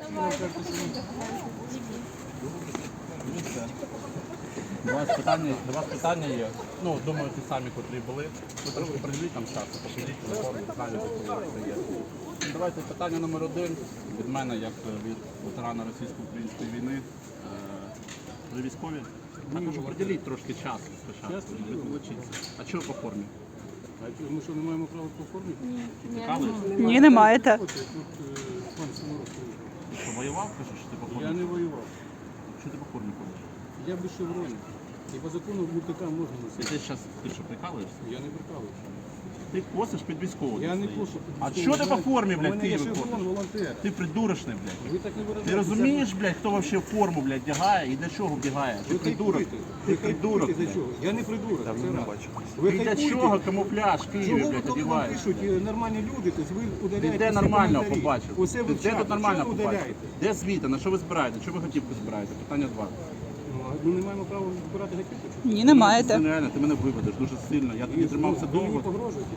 До вас питання є. Ну, думаю, ті самі, котрі були. Ви трошки приділіть там часу, покажіть телефон, знаю, що це є. Давайте питання номер 1 від мене, як від ветерана російсько-української війни. Ви військові? Також приділіть трошки часу спочатку, відволочіться. А чого по формі? Ми що, не маємо права по формі? Цікавий? Ні, не маєте. Що, воював, кажеш, що ти по формі? Я не воював. Що ти по формі ходиш? Я без шевроні. І по закону МТК можна носити. Ти що, прикалуєшся? Я не прикалуюся. Ти косиш під військового. Я не стоїш. кошу. А що ти по формі, У блядь, мене є Києві шеврон, ходиш? волонтер. Ти придурочний, блядь. Ви так не виражаєте. Ти розумієш, блядь, хто вообще форму, блядь, вдягає і для чого вдягає? Ти придурок. Ти придурок, За блядь. чого? Я не придурок. Давно не бачив. І для чого камуфляж в Києві, Чого, блядь, коли вам одягаєш? пишуть нормальні люди, то ви Ти удаляєте де всі нормального коментарі. побачив? Усе Ти де тут нормально Чого ви побачив? удаляєте? Де звіти? На що ви збираєте? Чого ви готівку збираєте? Питання 2. Ми не маємо права збирати готівку? чи? Ні, не маєте. Це нереально, ти мене виведеш дуже сильно. Я тобі тримався Ви мені довго. погрожуєте?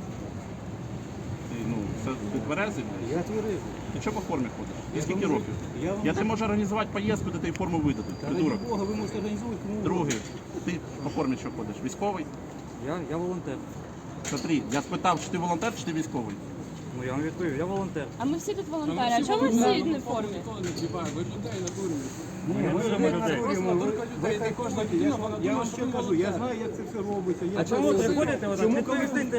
Ти тверезий, блядь? Я тверезий. Ти чого по формі ходиш? І Я скільки вам- років? я вам- Я тобі можу організувати поїздку, де ти форму видадуть. Та ради Придурок. Бога, ви можете організовувати кому угодно. Другий. Ти по формі що ходиш? Військовий? Я волонтер. Смотри, я спитав, чи ти волонтер, чи ти військовий? Ну я вам відповів, я волонтер. А ми всі тут волонтери. А чому ми всі не в формі? Ви людей накурюєте. Ви Я вам ще кажу, я знаю, як це все робиться. А чому ви приходите, відповісти